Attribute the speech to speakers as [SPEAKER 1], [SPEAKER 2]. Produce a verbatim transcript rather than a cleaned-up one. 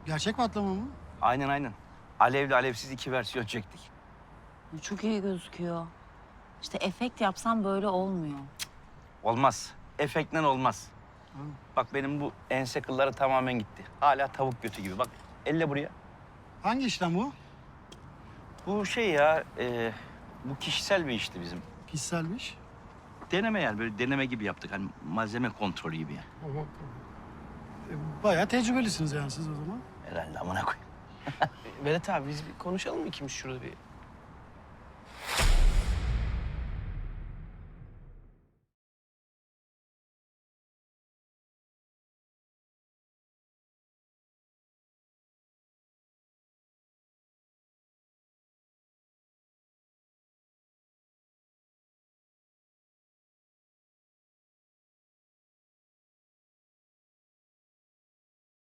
[SPEAKER 1] Gerçek patlama mı?
[SPEAKER 2] Aynen aynen. Alevli alevsiz iki versiyon çektik.
[SPEAKER 3] Çok iyi gözüküyor. İşte efekt yapsam böyle olmuyor.
[SPEAKER 2] Olmaz. Efektle olmaz.
[SPEAKER 1] Hı.
[SPEAKER 2] Bak benim bu ense kılları tamamen gitti. Hala tavuk götü gibi. Bak elle buraya.
[SPEAKER 1] Hangi işlem bu?
[SPEAKER 2] Bu şey ya, e, bu kişisel bir işti bizim.
[SPEAKER 1] Kişiselmiş.
[SPEAKER 2] Deneme yani böyle deneme gibi yaptık. Hani malzeme kontrolü gibi yani.
[SPEAKER 1] E, bayağı tecrübelisiniz yani siz o zaman.
[SPEAKER 2] Herhalde amına koyayım.
[SPEAKER 4] Vedat abi biz bir konuşalım mı ikimiz şurada bir?